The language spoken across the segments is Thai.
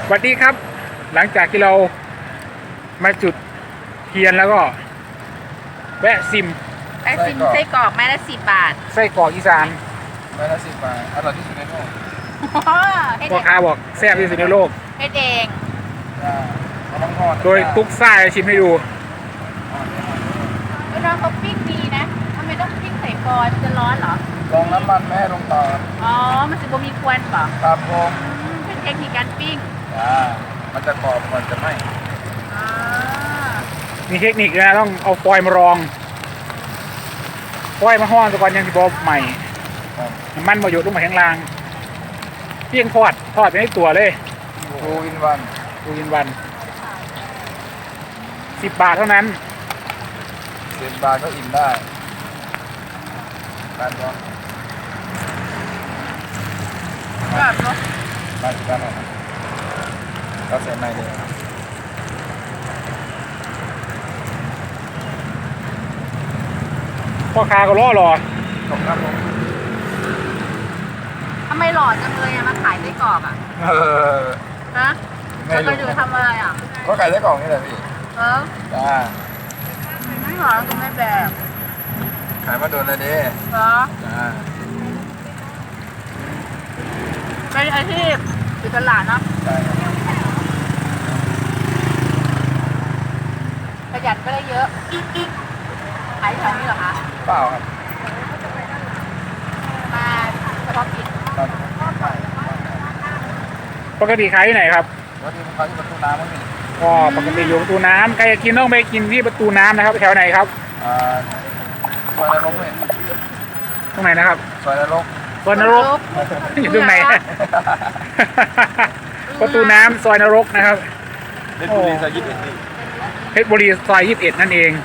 สวัสดีครับหลังจากที่เรามาจุดเทียนแล้วก็แวะซิมไอซิมไส้กรอกไม้ละ10 บาทไส้กรอกอีสานไม้ละ10 บาทอร่อยที่สุดในโลกพ่อค้าบอกแซ่บที่สุดในโลกเฮ็ดเองเขาต้องทอดโดยตุ๊กซ่าจะชิมให้ดูน้องเขาปิ้งดีนะทำไมต้องปิ้งใส่ฟอยล์มันจะร้อนเหรอลองน้ำมันแม่ลงต่ออ๋อมันจะบ่มีควันเปล่าครับผมเป็นเทคนิคการปิ้งมันจะกรอบมันจะไม่มีเทคนิคนะต้องเอาฟอยล์มารองฟอยล์มาห่อตะกอนยังที่บอกใหม่มันประโยชน์ลงมาข้างล่างเพียงทอดไปให้ตัวเลยทูอินวัน 10 บาทเท่านั้น 10 บาทก็อิ่มได้การร้อนแบบเนาะมาถึงกันหน่อยก็เสร็จในเลยพ่อค้าก็รอขอบครับผมทำไมหล่อจังเลยอะมาขายไส้กรอกอะฮะจะไปอยู่ทำอะไรอะก็ไก่ไส้กรอกนี่แหละพี่จ้าไม่หล่อตรงไม่แบบขายมาโดนเลยดิเหรอจ้าเป็นอาชีพอยู่ตลาดเนาะใช่ประหยัดก็ได้เยอะขายแถวนี้เหรอคะเปล่าครับมาเฉพาะกินปกติขายที่ไหนครับปกติมันขายที่ประตูน้ำมั้งพี่ก็ปกติอยู่ประตูน้ำใครจะกินต้องไปกินที่ประตูน้ำนะครับแถวไหนครับซอยนรกเนี่ยตรงไหนนะครับซอยนรกอยู่ตรงไหนประตูน้ำซอยนรกนะครับเพชรบุรีซอย21 เพชรบุรีซอย21นั่นเอง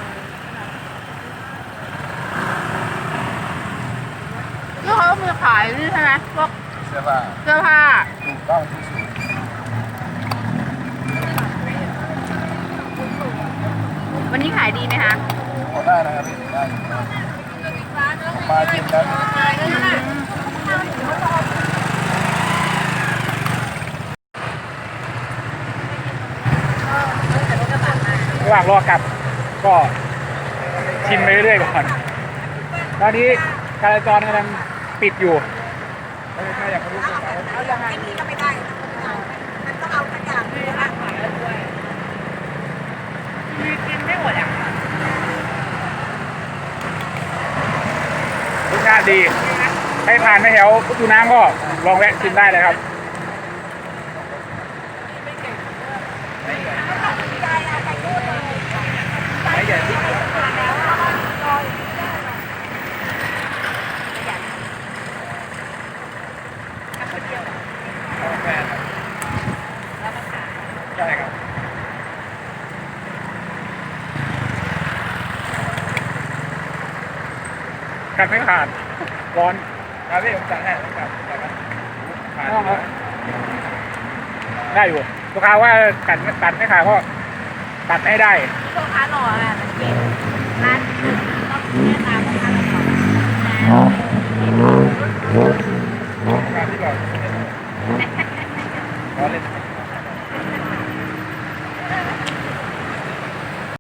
แล้วเขามีขายนี่ใช่ไหมพวกเสื้อผ้าถูกต้องที่สุดวันนี้ขายดีไหมคะได้นะครับพี่ได้มาจริงนะระหว่างรอกลับก็ชิมไปเรื่อยๆก่อนตอนนี้การจราจรกำลังปิดอยู่ถ้าอยากรู้สึกเอาอย่างนี้ก็ไม่ได้มันต้องเอาขยะด้วยนะมีกินไม่หมดอ่ะรสชาติดีให้ผ่านไปแถวประตูน้ำก็ลองแวะชิมได้เลยครับใช่ครับกัดไม่ขาดร้อนครับพี่ผมสั่งให้ผมสั่งได้อยู่ลูกค้าว่ากัดไม่ขาดก็ตัดให้ได้ลูกค้าหล่ออ่ะ